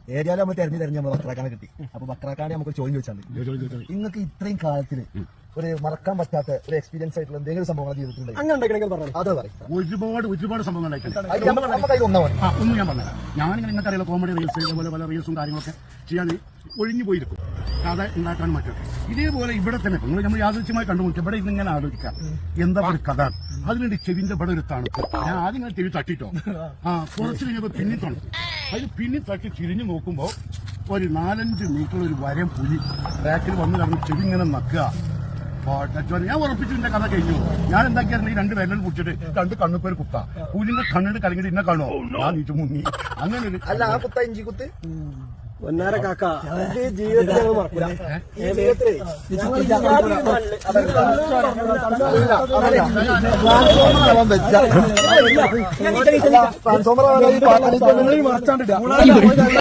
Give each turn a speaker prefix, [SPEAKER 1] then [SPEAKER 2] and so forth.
[SPEAKER 1] ഏരിയയിൽ നമ്മൾ തെരഞ്ഞു നമ്മൾ ബക്രാക്കാനെ കിട്ടി. അപ്പൊ ബക്രാക്കാനെ നമുക്ക് ചോദ്യം ചോദിച്ചാൽ നിങ്ങൾക്ക് ഇത്രയും കാലത്തില് ഒരു മറക്കാൻ പറ്റാത്ത ഒരു എക്സ്പീരിയൻസ് ആയിട്ടുള്ള എന്തെങ്കിലും സംഭവങ്ങൾ ജീവിതത്തിൽ അത്
[SPEAKER 2] ഒരുപാട് സംഭവങ്ങൾ
[SPEAKER 1] ഒന്നും
[SPEAKER 2] ഞാൻ പറഞ്ഞുതരാം. ഞാനിങ്ങനെ നിങ്ങൾക്ക് അറിയാലോ കോമഡി റീൽസ് ഇതേപോലെ പല റീൽസും കാര്യങ്ങളൊക്കെ ചെയ്യാൻ ഒഴിഞ്ഞു പോയിരിക്കും കഥ ഉണ്ടാക്കാൻ മറ്റൊക്കെ. ഇതേപോലെ ഇവിടെ തന്നെ നമ്മൾ യാദൃശ്യമായി കണ്ടുമുട്ടി ഇവിടെ ഇങ്ങനെ ആലോചിക്കാം എന്താ ഒരു കഥ. അതിനുവേണ്ടി ചെവിന്റെ ഇവിടെ ഒരു തണുപ്പ്. ഞാൻ ആദ്യം ഇങ്ങനെ ചെവി തട്ടിട്ടോ കുറച്ച് കഴിഞ്ഞപ്പോ പിന്നി തണുപ്പ്. അതിന് പിന്നി തട്ടി തിരിഞ്ഞു നോക്കുമ്പോ ഒരു 4-5 മീറ്റർ ഒരു വരം പുലി ബാക്കിൽ വന്ന് കിടന്ന് ചെവി ഇങ്ങനെ നക്കുക. ഞാൻ ഉറപ്പിച്ചു എന്റെ കഥ കഴിഞ്ഞു. ഞാൻ എന്താക്കിയായിരുന്നു ഈ 2 വിരലിൽ കുടിച്ചിട്ട് 2 കണ്ണുപ്പേര് കുത്ത പുലിന്റെ കണ്ണിട്ട് കലങ്ങിട്ട് ഇന്നെ കാണോ ഞാൻ നീറ്റ് മുങ്ങി. അങ്ങനെ ഒരു
[SPEAKER 1] അല്ല ആ കുത്ത ഇഞ്ചി കുത്ത്
[SPEAKER 3] പൊന്നാര കാക്ക ജീവിതത്തിൽ
[SPEAKER 1] ട്രാൻസ്ഫോമർ